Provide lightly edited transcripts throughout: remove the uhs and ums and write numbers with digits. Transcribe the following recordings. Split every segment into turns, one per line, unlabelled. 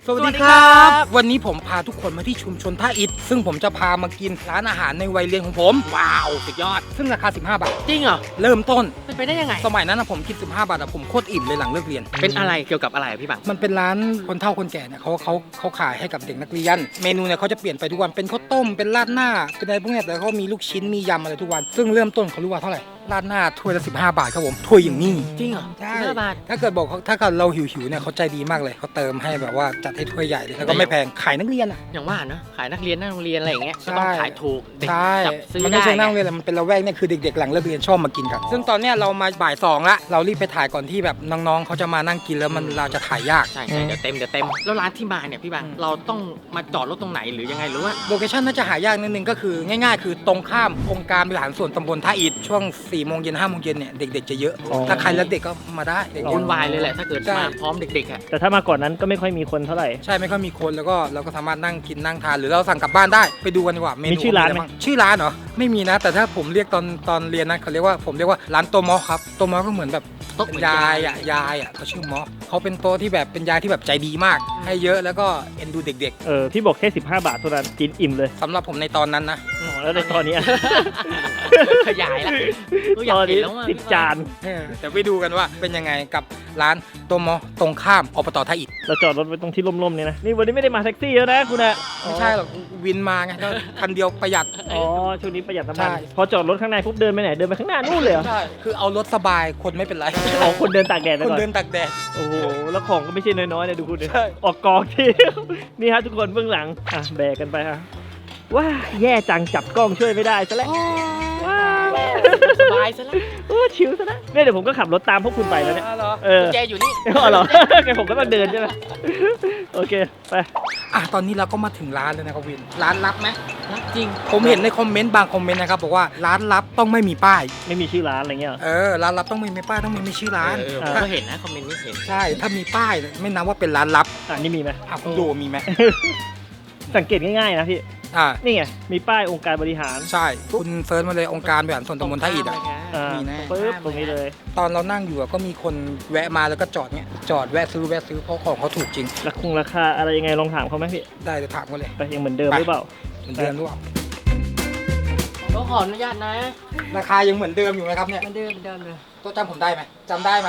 สวัสดีครับวันนี้ผมพาทุกคนมาที่ชุมชนท่าอิฐซึ่งผมจะพามากินร้านอาหารในวัยเรียนของผมว้าวสุดยอดซึ่งราคา15 บาท
จริงเหรอ
เริ่มต้น
เป็นไปได้ยังไง
สมัยนั้นผมกิน15 บาทผมโคตรอิ่มเลยหลังเลิกเรียน
เป็นอะไรเกี่ยวกับอะไรพี่บัง
มันเป็นร้านคนเฒ่าคนแก่เนี่ยเขาขายให้กับเด็กนักเรียนเมนูเนี่ยเขาจะเปลี่ยนไปทุกวันเป็นข้าวต้มเป็นราดหน้าเป็นอะไรพวกนี้แต่เขามีลูกชิ้นมียำอะไรทุกวันซึ่งเริ่มต้นเขารู้ว่าเท่าไหร่ราดหน้าถ้วยละ15 บาทครับผมถ้วยอย่างนี้
จริงเหรอ
ใช่
15 บาท
ถ้าเกิดเราหิวเนี่ยเขาใจดีมากเลยเขาเติมให้แบบว่าจัดให้ถ้วยใหญ่เลยแล้วก็ไม่แพงขายนักเรียนอ่ะ
อย่างว่าเนอะขายนักเรียนหน้าโรงเรียนอะไรอย่างเงี้ยก็ต้องขายถูกเด็กจับซื้อได้
มันไม่ใช่นั่งเรียนมันเป็นละแวกเนี่ยคือเด็กๆหลังเลิกเรียนชอบมากินกันซึ่งตอนเนี้ยเรามาบ่าย2ละเรารีบไปถ่ายก่อนที่แบบน้องๆเขาจะมานั่งกินแล้วมันเราจะถ่ายยาก
ใช่เดี๋ยวเต็มแล้วร้านที่มาเนี่ยพี่บังเราต้องมาจอดรถตรงไหนหรือยังไงหรือว่า
โลเคชั่นน่าจะหายากนิดนึงก็คือง่ายๆคือตรงข้ามองค์การบริหารส่วนตำบลท่าอิฐช่วง4 โมงเย็น5 โมงเย็นเนี่ยเด็กๆจะเยอะถ้าใครรักเด็กก็มาได้
วุ่นวายเลยแหละถ้าเกิดมาพร้อมเด็กๆอ่ะ
แต่ถ้ามาก่อนนั้นก็ไม่ค่อยมีคนเท่าไหร่
ใช่ไม่ค่อยมีคนแล้วก็เราก็สามารถนั่งกินนั่งทานหรือเราสั่งกลับบ้านได้ไปดูกันดีกว่าเมนู
มีชื่อร้านไหม
ชื่อร้านเหรอไม่มีนะแต่ถ้าผมเรียกตอนเรียนนะผมเรียกว่าร้านโตมอครับโตมอก็เหมือนแบบยายเขาชื่อมอเขาเป็นโต๊ะที่แบบเป็นยายที่แบบใจดีมากให้เยอะแล้วก็เอ็นดูเด็ก
ๆพี่บอกแค่15 บาทเท่านั้นกินอิ่มเลย
สำหรับผมในตอนนั้นนะ
แล้วในตอนนี้
ขยายละ
ตอนนี้10 จาน
แต่ไปดูกันว่าเป็นยังไงกับร้านโตมอตรงข้ามอบตท่าอิฐ
เราจอดรถไว้ตรงที่ร่มๆเนี่ยนะนี่วันนี้ไม่ได้มาแท็กซี่แล้วนะคุณอะ
ไม่ใช่หรอกวินมาไงก็คันเดียวประหยัด
ช่วงนี้ประหยัดน้ำมันพอจอดรถข้างในปุ๊บเดินไปไหนเดินไปข้างหน้านู่นเลย
ใช่คือเอารถสบายคนไม่เป็นไร
คนเดินตากแดด
คนเดินตากแดด
โอ้โหแล้วของก็ไม่ใช่น้อยๆนะดูคุณดิออกกองที่นี่ฮะทุกคนเบื้องหลังแบกกันไปฮะว้าแย่จังจับกล้องช่วยไม่ได้ซะแล้วว้า
สบายซะแล้ว
ชิวซะแล้วเนี่ยเดี๋ยวผมก็ขับรถตามพวกคุณไปแล้วเนี่ย
กุญแจอยู่นี่
เหรอแกผมก็ต้องเดินใช่ไหมโอเคไป
ตอนนี้เราก็มาถึงร้านแล้วนะครับวินร้านลับไหม
ลับจริง
ผมเห็นในคอมเมนต์บางคอมเมนต์นะครับบอกว่าร้านลับต้องไม่มีป้าย
ไม่มีชื่อร้านอะไรเงี้ย
ร้านลับต้องไม่มีป้ายต้องไม่มีชื่อร้าน
ก็เห็นนะคอมเมนต์นี้เห็น
ใช่ถ้ามีป้ายไม่นับว่าเป็นร้านลับ
นี่มีไหม
คุณดูมีไหม
สังเกตง่ายๆนะพี่นี่ไงมีป้ายองค์การบริหาร
ใช่คุณเซิร์ชมาเลยองค์การบริหารส่วนตำบลท่าอิฐมีแน่
ปึ๊บตรงนี้เลย
ตอนเรานั่งอยู่ก็มีคนแวะมาแล้วก็จอดเนี้ยจอดแวะซื้อเพราะของเขาถูกจริง
ราคาอะไรยังไงลองถามเขาไหมพี่
ได้จะถามเขาเลย
ไปยังเหมือนเดิมหรือเปล่า
เหมือนเดิมหรือเปล่า
ก็ขออนุญาตนะ
ราคายังเหมือนเดิมอยู่ไหมครับเนี่ย
เหมือนเดิมเลย
ตัวจำผมได้ไหมจำได้ไหม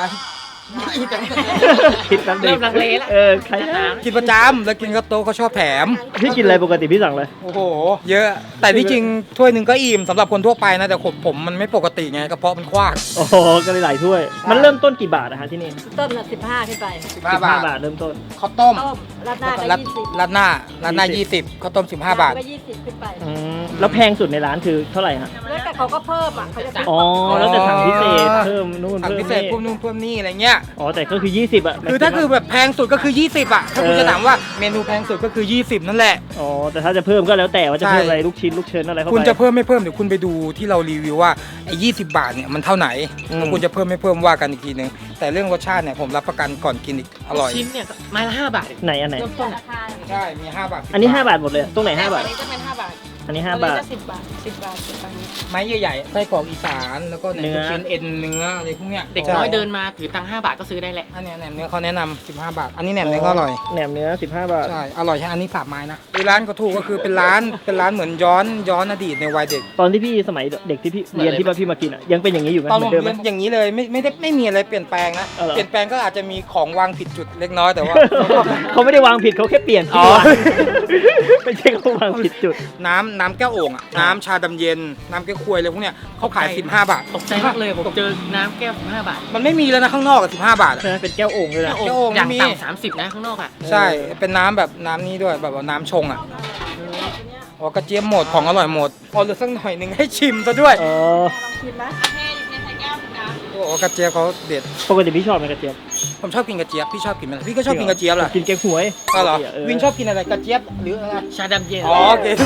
คิดน้ำ
เริ่มลังเลแล้ว
ใคร
กินประจำแล้วกินก็โต๊ะเขาชอบแถม
พี่กินอะไรปกติพี่สั่งเลย
โอ้โหเยอะแต่ที่จริงถ้วยหนึ่งก็อิ่มสำหรับคนทั่วไปนะแต่ผมมันไม่ปกติไงกระเพาะมันกว้าง
โอ้โหก็เลยหลายถ้วยมันเริ่มต้นกี่บาทนะฮะที่นี่
ต้นละ15ขึ้นไป
15 บาท
เริ่มต้น
ข้าวต้ม
ราดหน้าก็20
ราดหน้า20ข้าวต้ม15 บาท
ก็20ขึ้นไป
แล้วแพงสุดในร้านคือเท่าไหร่ฮะ
แล้วแต่เขาก็เพิ่มเขาจะ
แล้วแต่สั่งพิเศษเพิ่มนู่น
สั่งพิเศษเพิ่มนู่นเพิ่มนี่อะไรเงี้ย
แต่ก็คือ20
คือถ้าคือแบบแพงสุดก็คือ20ถ้าคุณจะถามว่าเมนูแพงสุดก็คือ20นั่นแหละ
แต่ถ้าจะเพิ่มก็แล้วแต่ว่าจะเพิ่มอะไรลูกชิ้นลูกเชิญอะไรเข้าไป
คุณจะเพิ่มไม่เพิ่มเดี๋ยวคุณไปดูที่เรารีวิวว่าไอ้20 บาทเนี่ยมันเท่าไหนแล้วคุณจะเพิ่มไม่เพิ่มว่ากันอีกทีนึงแต่เรื่องรสชาติเนี่ยผมรับประกันก่อนกินอีกอร่อย
ชิ้นเนี่ยไม้ละ5 บาท
ไหนอันไหน
ใช่มี5 บาท
อันนี้5 บาทหมดเลยตรงไหน5 บาท
อันนี้จะเป็น5 บาท
อันนี้5 บาท
10 บาท10 บาท
ไม้ใหญ่ๆไส้กรอกอีสานแล้วก็เนื้อชิ้นเอ็นเนื้ออะไรพวกเนี้ย
เด็กน้อยเดินมาถือตังค์5 บาทก็ซื้อได้แหละ
อันนี้แหนมเนื้อเขาแนะนำ15 บาทอันนี้แหนมเนื้อก็อร่อย
แหนมเนื้อ15 บาท
ใช่อร่อยใช่อันนี้3 ไม้นะร้านก็ถูกก็คือเป็นร้านเหมือนย้อนอดีตในวัยเด็ก
ตอนที่พี่สมัยเด็กที่พี่เรียนที่พี่มากินยังเป็นอย่างนี้อยู่ไหม
ตอนผมเรียนอย่างนี้เลยไม่มีอะไรเปลี่ยนแปลงนะเปลี่ยนแปลงก็อาจจะมีของวางผิดจุดเล็กน้อยแต่ว่า
เขาไม่ได้วางผิดเขาแค่เปลี่ยนไม่ใช่เขาวางผิดจุด
น้ำแก้วโอ่งน้ำชาดำเย็นน้ำแก้วควยอะไรพวกเนี้ยเขาขาย15 บาท
ตกใจมากเลยผมเจอน้ำแก้ว15 บาท
มันไม่มีแล้วนะข้างนอก15 บาท
เป็นแก้วโอ่งเลยนะ
แก้วโอ่ง
อย่างต่ำ30นะข้างนอก
ใช่เป็นน้ำแบบน้ำนี้ด้วยแบบน้ำชงกระเจี๊ยบหมดของอร่อยหมดพอเหลือสักหน่อยนึงให้ชิมซะด้วย
ลองชิมไหม
กระเจี๊ยบเขาเด็ด
ปกติพี่ชอบไหมกระเจี๊ยบ
ผมชอบกินกระเจี๊ยบพี่ชอบกินไหมพี่ก็ชอบกินกระเจี๊ยบแหละ
กินแกงหวย
เหรอวินชอบกินอะไรกระเจี๊ยบหรืออะไร
ชาดำเย็น
โอเค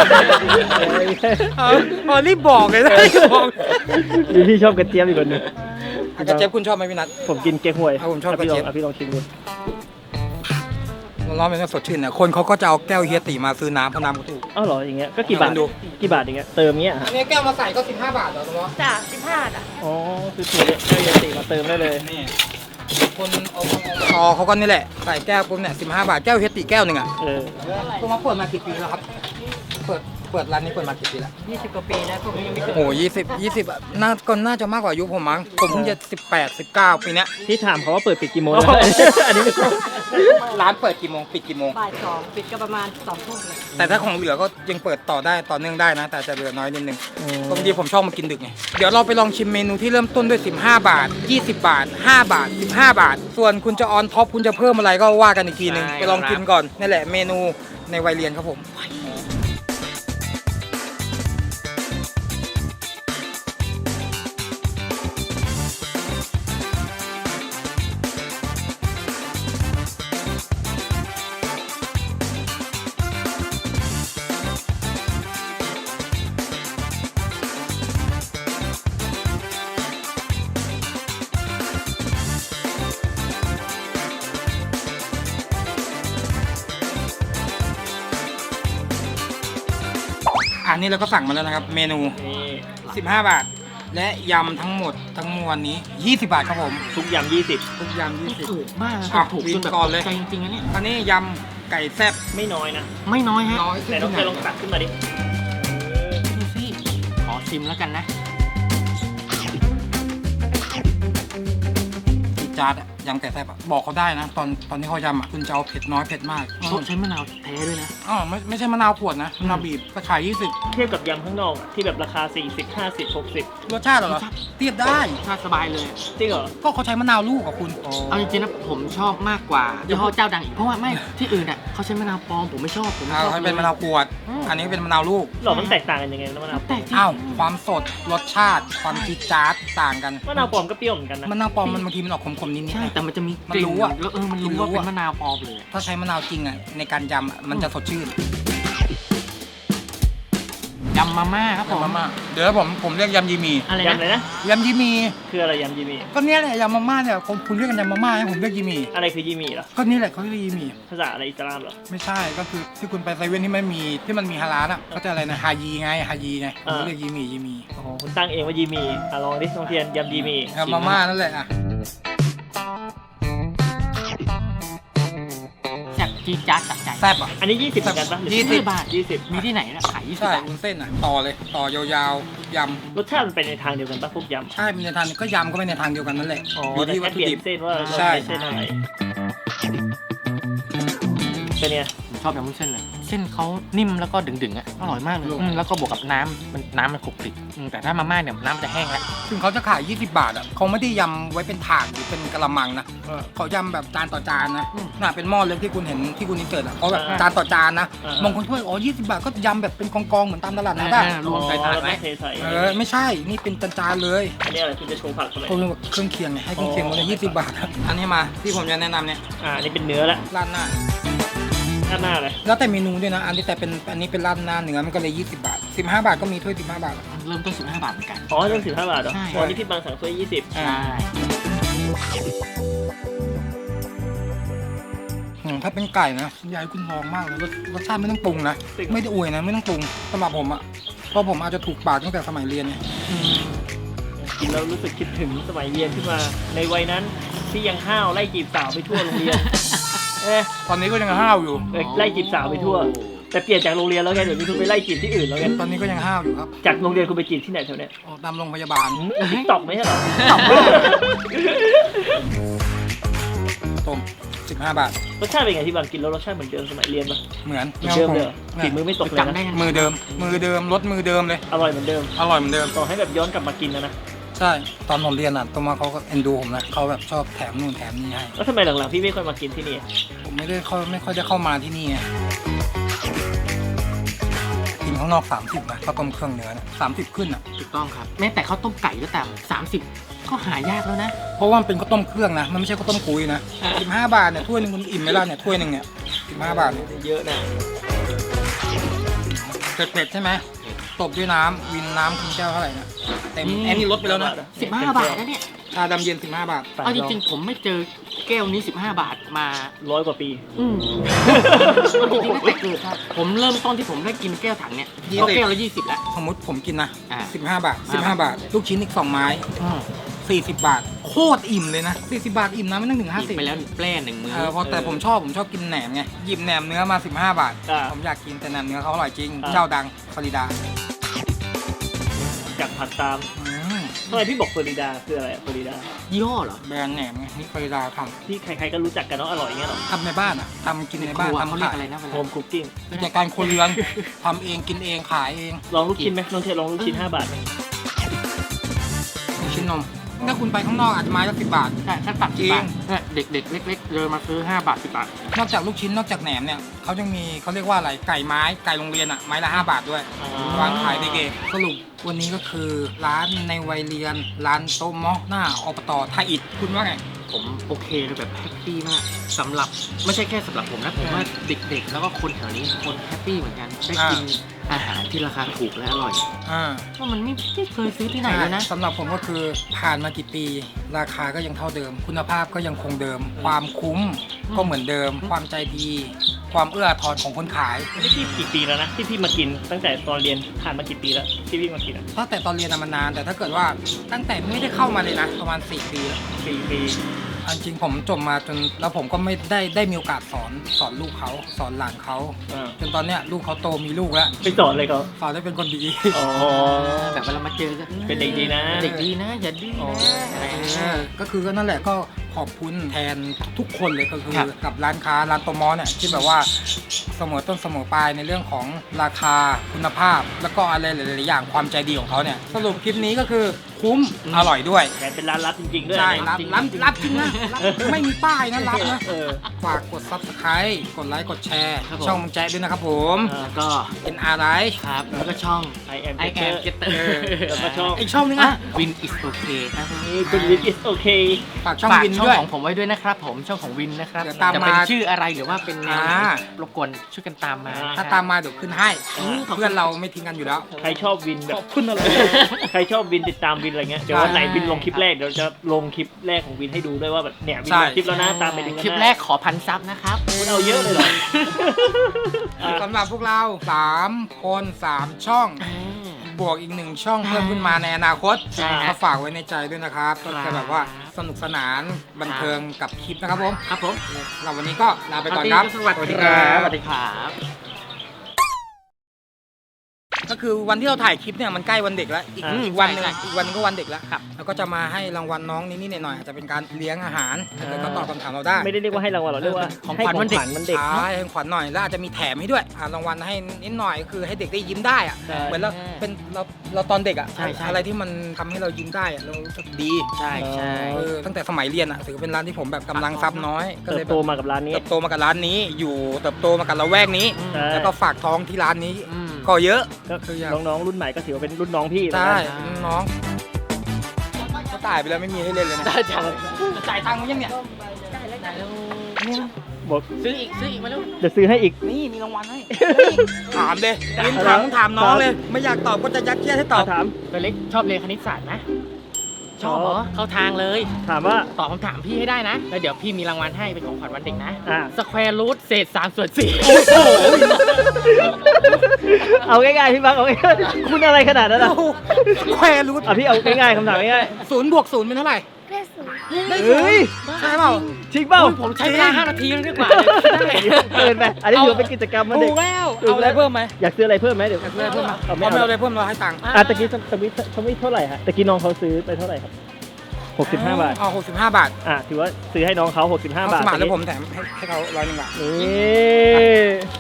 รีบบอกเลยนะบอก
พี่ชอบกระเจี๊ยบอีกคนนึง
กระเจี๊ยบคุณชอบไหมพี่นัท
ผมกินแกงหวย
ผมชอบกระเจี๊ยบ
พี่ลองชิมดู
ร้อนเป็นสดชื่นเนี่ยคนเขาก็จะเอาแก้วเฮียตีมาซื้อน้ำเพราะน้ำเขาถูก
เหรออย่างเงี้ยก็กี่บาทอย่างเงี้ยเติมเงี้ย
อันนี้แก้วมาใส่ก็15 บาทเหรอตรงนี้
จ้ะ15
คือถูกแก้วเฮียตีมาเติมได้เลย
นี่คนเอาเขาก็นี่แหละใส่แก้วปุ๊บเนี่ย15 บาทแก้วเฮติแก้วหนึ่งอ่ะ
เออ
ตัวมาเปิดมากี่ปีแล้วครับเปิดร้านนี้เปิดมากี่ปีแล้ว
20 กว่าปีนะพวกนี้ยังไม่เกิด
โอ้20อ่ะน่าจะมากกว่าอายุผมมั้งผมเพิ่งจะ18 19ปีเนี้ย
ที่ถามเขาว่าเปิดปิดกี่โมงนะอันนี้ไม่รู้
ร้านเปิดกี่โมงปิดกี่โมง
บ่ายสองปิดก็ประมาณ2 ทุ่มเลย
แต่ถ้าของเหลือก็ยังเปิดต่อได้ต่อเนื่องได้นะ แต่จะเหลือน้อยนิดนึงบางทีผมชอบมากินดึกไงเดี๋ยวเราไปลองชิมเมนูที่เริ่มต้นด้วย15 บาท 20 บาท 5 บาท 15 บาท ส่วนคุณจะออนท็อปคุณจะเพิ่มอะไรก็ว่ากันอีกทีนึงไปลองกินก่อนนี่แหละเมนูในวัยเรียนครับผมอันนี้เราก็สั่งมาแล้วนะครับเมนู
นี่
15 บาท และยำทั้งหมดทั้งมวลนี้ 20 บาทครับผม
ทุกยำ20
ทุกยำ
ไม่
20
ถูกมากนะ
อ่ะ
ถูกจนแบบ
ก่อนเลย
ใจจริงๆนะเนี่ย
อันนี้ยำไก่แซ่บ
ไม่น้อยนะ
ไม่น้อยฮะ
น้อย
แต่น้องเคยลองตักขึ้นมาดิ
ดูสิขอชิมแล้วกันนะ
จาร์ดอะยำไก่แซ่บอะบอกเขาได้นะ ตอนที่เขายำอะคุณจะเอาเผ็ดน้อยเผ็ดมาก
เขาใช้มะนาวแท้ด้วยนะ
อ๋อไม่ใช่มะนาวขวดนะมะนาวบีบก็ขาย
เทียบกับยำข้างนอกอะที่แบบราคา 40 50 60
20รสชาติเหรอเทียบได้
ชาติสบายเลย
จริงเหรอ
ก็เขาใช้มะนาวลูกกับคุณ
เอาจริงๆนะผมชอบมากกว่ายี่ห้อเจ้าดังอีกเพราะว่าไม่ที่อื่นอ่ะเขาใช้มะนาวปลอมผมไม่ชอบผมไม่
เอา
ชอบ
ให้เป็นมะนาวขวด อันนี้เป็นมะนาวลูก
หรอมันแตกต่างกันยังไงนะมะนาว
แต่จริง
อ้าวความสดรสชาติความจี๊ดจ๊าดต่างกัน
มะนาวปลอมก็เปรี้ยวเหมือนกันนะ
มะนาวปลอมมันบางทีมันออกขมๆนิดๆ
ใช่
นะ
แต่มันจะมี
มัน
กลิ่น
รู้อะ
แล้วมันรู้
รู้
ว่า
อะ
เป็นมะนาวปลอมเลย
ถ้าใช้มะนาวจริงอะในการยำอะมันจะสดชื่น
ยำมาม่าครับผม
ยำมาม่าเดี๋ยวผมเรียกยำยีหมี
อะไร
ยำอะไร
นะ
นะ
ยำยีหมี
คืออะไรยำยีหมี
ก็เนี่ยแหละยำมาม่าเนี่ยคุณเรียกกันยำมาม่าให้ผมเรียกยีหมี
อะไรคือยีหมีเหรอ
ก็นี่แหละเขาเรียกยีหมี
ภาษาอะไรอิสลามเหรอ
ไม่ใช่ก็คือที่คุณไปเซเว่นที่มันมีฮาลาลอ่ะเขาจะอะไรนะฮายีไงผมเรียกยีหมี
อ๋อคุณตั้งเองว่ายีหมีลองดิลองเทียนยำยีหมี
ยำมาม่านั่นแหละอ่ะ
แซ่บจี๊ดจ๊าดจับใจ
แซ่บอ่ะ
อันนี้ 20เหมือนกันปะหรือ
20 บาท
20
มีที่ไหนนะขาย20
ใช่
บาท
วุ้นเส้นอ่ะต่อเลยต่อยาวๆย
รสชาติมันเป็นในทางเดียวกันปะพวกยำ
ำใช่มีในทางก็ยำก็เป็นในทางเดียวกันนั่นแหละ
อ๋อ
อยู่
แต่
ที่วั
แค่
ตถุ
เปลี่ย
ดิ
น
บ
เส้นว่าเรา
ใช่
ใช้เส้นอะไรเป็นไง
ผมชอบยำวุ้นเส้นเลยเส้นเขานิ่มแล้วก็ดึงๆอ่ะอร่อยมากเลยแล้วก็บวกกับน้ำมันขลุกคลิกแต่ถ้ามาม่าเนี่ยน้ำมันจะแห้งแล้ว
ถึงเขาจะขาย 20 บาทอ่ะเขาไม่ได้ยำไว้เป็นถาดหรือเป็นกระมังนะเขายำแบบจานต่อจานนะน่ะเป็นหม้อเล็กที่คุณเห็นที่คุณอินเสิร์ตอ่ะเขาแบบจานต่อจานนะบางคนถ้วย20 บาทก็ยำแบบเป็นกองๆเหมือนตามตลาดนะป่ะ
รวมใส่ถาด
แล้ว
ไว้
ก็เทใส่
ไม่ใช่นี่เป็นจานๆเลย
อันนี้อะไรคุณจะโชว์ผักทำไม
เขาเรียกว่าเครื่องเคียงไงให้เครื่องเคียงมาเลย20 บาทครับอันนี้มาที่ผมจะแนะนำเนี่ย
อันนี้เป็นเนื้อละ
ราดหน้า
ด้านหน้าเลย
แล้วแต่เมนูด้วยนะอันนี้อันนี้เป็นราดหน้าเนื้อมันก็เลย20 บาท 15 บาทก็มีถ้วย15 บาทอะ
เริ่มต้น15 บาทเหมือนกัน
อ๋อเรื่อง15 บาทเหรอ
ใช่
อ๋อนี่พี่บางสั่งถ้วย20
ใช่
ถ้าเป็นไก่นะยายคุณลองมากเลยรสชาติไม่ต้องปรุงนะไม่ได้อวยนะไม่ต้องปรุงสำหรับผมอะเพราะผมอาจจะถูกปากตั้งแต่สมัยเรียนเนี่ย
กินแล้วรู้สึกคิดถึงสมัยเรียนขึ้นมา ในวัยนั้นที่ยังห้าวไล่จีบสาวไปทั่วโรงเรียน
ตอนนี้ก็ยังห้าวอยู่
ไล่จีบสาวไปทั่ว แต่เปลี่ยนจากโรงเรียนแล้วไงเดี๋ยวนี้คุณไปไล่จีบที่อื่นแล้วไง
ตอนนี้ก็ยังห้าวอยู่ครับ
จากโรงเรียนคุณไปจีบที่ไหนแถวเนี้ย
ออกตามโรงพยาบาล
ติ๊กต็อกไม่ใช่เหรอ
ต้ม15 บาท
รสชาติเป็นไงที่บางกินแล้วรสชาติเหมือนเดิมสมัยเรียนปะ
เหมือน
เหมือนเดิมเลยเหรอฝีมือไม่ตกเลย
จำได้
นะ
ยัง
มือเดิมรสมือเดิมเลย
อร่อยเหมือนเดิม
อร่อยเหมือนเดิม
ต่อให้แบบย้อนกลับมากินนะ
ใช่ตอนผมเรียนอ่ะตัวมาเขาก็เอ็นดูผมนะเขาแบบชอบแถมนู่นแถมนี่ให้
แล้วทำไมหลังๆพี่ไม่ค่อยมากินที่นี่
ผมไม่ค่อยได้เข้ามาที่นี่ไงกินข้างนอก30นะข้าวต้มเครื่องเนื้อนะ30ขึ้นอ่ะ
ถูกต้องครับแม้แต่ข้าวต้มไก่ก็ตาม30ก็หายากแล้วนะ
เพราะว่ามันเป็นข้าวต้มเครื่องนะมันไม่ใช่ข้าวต้มกุยนะ15 บาทเนี่ยถ้วยนึงคุณอิ่มไหมล่ะเนี่ยถ้วยนึงเนี่ย15 บาทเนี่ย
เยอะนะ
เผ็ดๆใช่ไหมตบด้วยน้ำวินน้ำคุณแก้วเท่าไหร่นะเต็มแอนนี่ลดไปแล้วนะ
15 บาทนะเนี่ย
ชาดำเย็น15 บาท
เอาจริงๆผมไม่เจอแก้วนี้15 บาทมา
100 กว่าปี
จริงๆตั้งแต่เกิดครับผมเริ่มต้นที่ผมได้กินแก้วถังเนี่ยก็แก้วละ20แล้ว
สมมติผมกินนะ
อ่า
15 บาท 15 บาท ลูกชิ้นอีก2 ไม้ 40 บาท โคตรอิ่มเลยนะ 40 บาทอิ่มนะไม่ต้องถึง
กิน
50
ไปแล้วแปร่หนึ่งมื้อ
เพราะแต่ผมชอบกินแหนมไงหยิบแหนมเนื้อมา 15 บาท
อ่า
ผมอยากกินแต่แหนมเนื้อเขาอร่อยจริง
อ่า
เจ้าดังฟลอริดา
กัดผัดตาม
อืม
ทำไมพี่บอกฟลอริดาคืออะไรฟลอริดา
ยี่ห้อเหรอ
แบรนด์แหนมไงนี่ฟลอริดาท
ที่ใครๆก็รู้จักกันเนาะอร่อยอย่างเงี้ยหรอ
ำทำในบ้านอ่ะทำกินในบ้าน
ครัวเขา
ทำ
เรียก
ขาย
อะไรนะเว
โฮ
ลา
มคุกกิ้ง
กิจการครัวเรือนทำเองกินเองขายเอง
ลองลูกชิ้นไหมน้องเทลองลูกชิ้น5 บาทไหม
มีชิ้นนมถ้าคุณไปข้างนอกอาจจะไม้ละ10 บาท
ใช่ขั้นต่ำ
จริ
10
ง
บาทเนี่ยเด็กๆเล็กๆเดินมาซื้อ5 บาท 10 บาท
นอกจากลูกชิ้นนอกจากแหนมเนี่ยเขายังมีเขาเรียกว่าอะไรไก่ไม้ไก่โรงเรียนอ่ะไม้ละ5 บาทด้วยวางขายเด็กๆสรุปวันนี้ก็คือร้านในวัยเรียนร้านโต๊ะเมาะหน้าอบตท่าอิฐคุณว่าไง
ผมโอเคเลยแบบแฮปปี้มากสำหรับไม่ใช่แค่สำหรับผมนะผมว่าเด็กๆ แล้วก็คนแถวนี้คนแฮปปี้เหมือนกันได้กินอาหารที่ราคาถูกและอร่อย เพราะมันไม่เคยซื้อที่ไหนเลยนะ
สำหรับผมก็คือผ่านมากี่ปี ราคาก็ยังเท่าเดิม คุณภาพก็ยังคงเดิม ความคุ้มก็เหมือนเดิม ความใจดี ความเอื้ออาทรของคนขาย
นี่พี่กี่ปีแล้วนะที่พี่มากินตั้งแต่ตอนเรียนผ่านมากี่ปีแล้วที่พี่มากินอ่ะ
ตั้งแต่ตอนเรียนมันนาน แต่ถ้าเกิดว่าตั้งแต่ไม่ได้เข้ามาเลยนะประมาณ4 ปีแล้ว
4 ปี
เอาจริงผมจบมาจนแล้วผมก็ไม่ได้มีโอกาสสอนลูกเขาสอนหลานเขา
อ่า
จนตอนเนี้ยลูกเขาโตมีลูกแล้ว
ไปสอนเลยเขา
สอนได้เป็นคนดี
อ๋อ
แบบเวลามาเจอกัน
เป็นเด็กดีนะ
เด็กดีนะ อย่าดื้อ
อ๋อ
นะอะไรอย่างเงี้ย
ก็คือก็นั่นแหละก็ขอบคุณแทนทุกคนเลยก็คือ
ครับ
กับร้านค้าร้านโตมอเนี่ยที่แบบว่าเสมอต้นเสมอปลายในเรื่องของราคาคุณภาพ แล้วก็อะไรหลายๆอย่างความใจดีของเขาเนี่ยสรุปคลิปนี้ก็คือคุ้มอร่อยด้วย
แถมเป็นร้านลับจริงๆด้วย
ใช่
นะ
รับจริงนะรับไม่มีป้ายนะรับนะ
เออ
ฝากกด subscribe กดไลค์กดแชร์
ครับผม
ช่องมึงแจ๊ดด้วยนะครับผม
แล้วก็
เป็นอะไร
ครับ แล้วก็ช่อง
I am
I am
Getter
Getter
แล้วก็ช่อง
อีกช่องนึงอ่ะ
Win is okay ครับ
นี่คุณวิน is okay
ฝากช่อง
ฝาก
วิน
ช่อง
ด้วย
ของผมไว้ด้วยนะครับผมช่องของวินนะครับ
เดี๋ยวตาม
จะเป็น
มา
ชื่ออะไรหรือว่าเป็นแนวไหน
อ่า
รบกวนช่วยกันตามมา
ถ้าตามมาเดี๋ยวขึ้นให้
อืม
เพื่อนเราไม่ทิ้งกันอยู่แล้ว
ใครชอบวินแบบ
ขอบคุณอะไร
ใครชอบวินติดตามวินอะไรเงี้ยเดี๋ยววันไหนวินลงคลิปแรกเดี๋ยวจะลงคลิปแรกของวินให้ดูด้วยว่าแบบเนี่ยวิน
ใช่
ลงคลิปแล้วนะตามไปดูกัน
คลิป
นะ
แรกขอ1,000 ซับนะครับ
คุณเอาเยอะเลยเหรออ่ะ
สำหรับพวกเรา 3 คน 3 ช่อง บวกอีก 1 ช่องเพิ่มขึ้นมาในอนาคต
ใช่ครับ
ก็ฝากไว้ในใจด้วยนะครับก็จะแบบว่าสนุกสนานบันเทิงกับคลิปนะครับผม
ครับผม
เราวันนี้ก็ลาไปก่อนครับ
สวัสดีครับสวัสดีครับ
ก็คือวันที่เราถ่ายคลิปเนี่ยมันใกล้วันเด็กแล้วอีก
อ่า
อีกวันหนึง
ใช่
อีกวันนึงก็วันเด็กแล้ว
ครับ
แล้วก็จะมาให้รางวัลน้องนิดๆหน่อยๆอาจจะเป็นการเลี้ยงอาหารถ้าเกิดเขาตอบคำถามเราได้
ไม่ได้เรียกว่าให้รางวัลหรอกเรียกว่า
ของ
ให้
ขวัญวันเด็ก
มันเด็ก
ใช่ให้ขวัญหน่อยแล้วอาจจะมีแถมให้ด้วยรางวัลให้นิดหน่อยก็คือให้เด็กได้ยิ้มได้อะ
ใช่
เหมือนเราเป็นเราตอนเด็กอะ
ใช่ใช่
อะไรที่มันทำให้เรายิ้มได้อะเรารู้สึกดี
ใช่ใช่
ตั้งแต่สมัยเรียนอะถือเป็นร้านที่ผมแบบกำลังทรัพย์น้อยก็
เติ
เลย
บ
แบ
โต
บ
มากับร้านนี้
เติบโตมากับร้านนี้ อยู่เติบโตมากับละแวกนี้
ใช่
แล้วก็ฝากท้องที่ร้านนี้
อืม
ก็เยอะ
ก็
คืออย่าง
น้องๆรุ่นใหม่ก็ถือว่าเป็นรุ่นน้องพี่แล้ว
ใช่
นะ
น้องก็ตายไปแล้วไม่มีให้เล่นเลยนะ
จ่าย
จ่ายตังค์มั้ยยังเนี่ย
บอก
ซื้ออีกมาลูก
เดี๋ยวซื้อให้อีก
นี่มีรางวัลให้ ถามเลยวินถามน้องเลย ไม่อยากตอบก็จะยัดเยียดให้ตอบ
ถาม
ตัวเล็กชอบเรียนคณิตศาสตร์ไหมชอบเหรอเข้าทางเลย
ถามว่า
ตอบคำถามพี่ให้ได้นะ แล้วเดี๋ยวพี่มีรางวัลให้เป็นของขวัญวันเด็กนะ
อ่า
สแควร์รูทเศษ3/4
เอาง่ายๆพี่บังเอาง่ายๆคุณอะไรขนาดนั้นอ่ะ
แควรูท
อ่ะพี่เอาง่ายๆคำถามง่าย
0 บวก 0 เป็นเท่าไหร่ ได้
ๆ
ศูน
เฮ้ย
ย์ใช่เปล่า
จริงเปล่า
ผมใช้เวลา5 นาทีแล้วดีกว่า
เกินไปอันนี้ถือว่าเป็นกิจกรรมมัน
ถู
เด็ก
กแล้วเอาอะไรเพิ่มไหม
อยากซื้ออะไรเพิ่มไหมเดี๋ยว
อยากได้เพิ่มไหม
เอา
ไม่
ไม่
เอา
เอา
อะไรเพิ่มเราให้ตังค์
อ่ะตะกี้สวิตเท่าไหร่ฮะตะกี้น้องเขาซื้อไปเท่าไหร่ครับ65 บาท
เอา65 บาท
อ่ะถือว่าซื้อให้น้องเขา65
เอา
บาท
สมัครแล้วผมแถมให้เขา100 บาท
นี่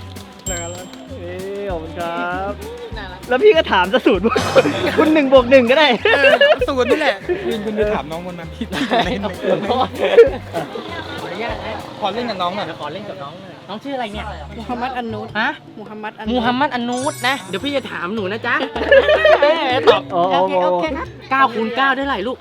ขอบคุณครับ แล้วพี่ก็ถามจะสูตรคุณ1 บวก 1ก็ได้
สูตรนี่แหละวินคุณไปถามน้องคนนั้นที่เล่น
ขออนุญาตนะ
ขอเล่นกับน้องหน่อย
เดี๋ยวขอเล่นกับน้องหน่อยน้องชื่ออะไรเนี่ย
มูฮัมหมัดอันนูด
ฮะ
มูฮัมหมัดอัน
มูฮัมหมัดอันนูดนะ เดี๋ยวพี่จะถามหนูนะจ๊ะตอบ
โอ้
โอ
โห
เคโอเคครับ
9 คูณ 9 ได้เท่าไหร่ลูก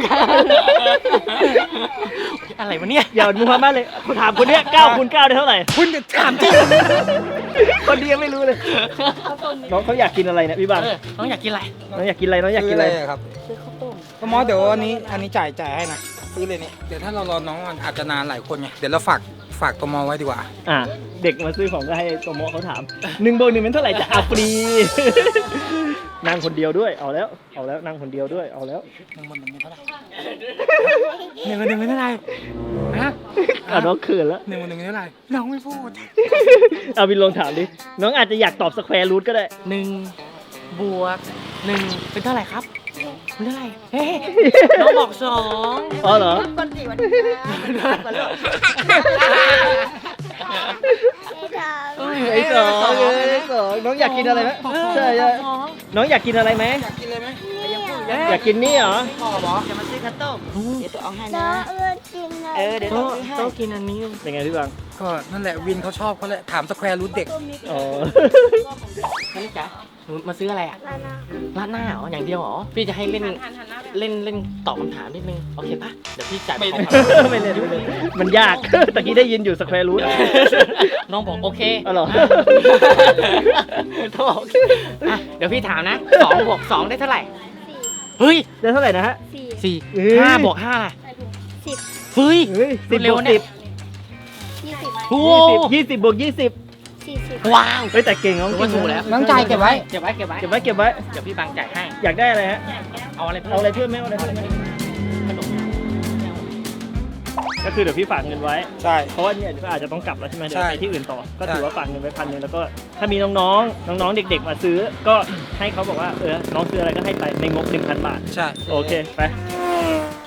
อะไรวะเนี่ย
อย่ามูฮัมหมัดเลยคุณถามคนเนี้ย9 คูณ 9ได้เท่าไหร่
คุณจะถามจริง
คนเดียวไม่รู้เลย น้องเขาอยากกินอะไรเนี่ยพี่บัง
น้องอยากกินอะไร
น้องอยากกินอะไรน้องอยากกินอะไร
ครับ
ซื้อข้าวต้ม
ก็มอสเดี๋ยวอันนี้จ่ายให้นะซื้อเลยเนี่ยเดี๋ยวถ้าเรารอน้องมันอาจจะนานหลายคนไงเดี๋ยวเราฝากตัวมอไว้ดีกว่า
เด็กมาซื้อของก็ให้โตโมเขาถาม1+1เป็นเท่าไหร่จะเอาฟรี นั่งคนเดียวด้วยเอาแล้วนั่งคนเดียวด้วยเอาแล้ว
1+1เป็นเท่าไหร่1+1เป็นเท่าไหร่ฮะ
น้องเขินแล้ว
1+1เป็นเท่าไหร่น้องไม่พูด
เอาวินลองถามดิน้องอาจจะอยากตอบสแควร์รูทก็ได้
1 บวก 1 เป็นเท่าไหร่ครับเป็นเท่าไหร่เฮ้ยน้องบอก2
อ๋อเหรอ
คนสี่วันนี้วันหลด
ไอ้สองน้องอยากกินอะไรไหมใช่น้องอยากกินอะไรไหม
อยากกินเลยไหม
อยากกินนี่เหรอ
จะมาซื้อข้าวต้มเดี๋ยวตัวเอาให้นะเดี๋ยว
โต๊
ตัวซื้อให้
ะกินอันนี้
เป็นไงพี่บัง
ก็นั่นแหละวินเขาชอบเขาแหละถามสแควร์รูทเด็ก
อ๋อ
นั่นจ๋าหนูมาซื้ออะไรอ่ะราดหน้าเหรออย่างเดียวเหรอพี่จะให้เล่นตอบคำถามนิดนึงโอเคปะเดี๋ยวพี่จ่าย
ไม่
ของ
ไม่เล่นมันยาก ตะกี้ได้ยินอยู่สแควร์รูท
น้องบอกโอเค
อ๋อเหรอ
ต้องบอกอ่ะเดี๋ยวพี่ถามนะ2 บวก 2 ได้เท่าไหร่เฮ้ย
ได้เท่าไหร่นะฮะ
4
เอ้ย
5 บวก 5
10
เฮ้ย
เฮ้ย10
เร็
บ
ว
วก
เนี่
10
ย
20
โอ้
20บวก20
40
ว้าว
เฮ้ยแต่เก่งน้อง
ถือว่าถูกแล้ว
น้องจ่ายเก็บไว้
เก็บไว้
เก็บไว้
เดี๋ยวพี่บังจ่ายให้
อยากได้อะไรฮะ
เอาอะไรเพิ่ม
เอาอะไรเพิ่มไหมเอาอะไรเพิ่มไหม
ขนม
ก็คือเดี๋ยวพี่ฝากเงินไว้
ใช่
เพราะว่าเนี่ยก็อาจจะต้องกลับแล้วใช่ไหมเดี๋ยว
ใช่
ไปที่อื่นต่อ ก็
ใช่
ถือว่าฝากเงินไว้1,000แล้วก็ถ้ามีน้องๆเด็กๆมาซื้อ ก็ให้เขาบอกว่าน้องซื้ออะไรก็ให้ไปในงบ 1,000 บาท
ใช่
โอเคไป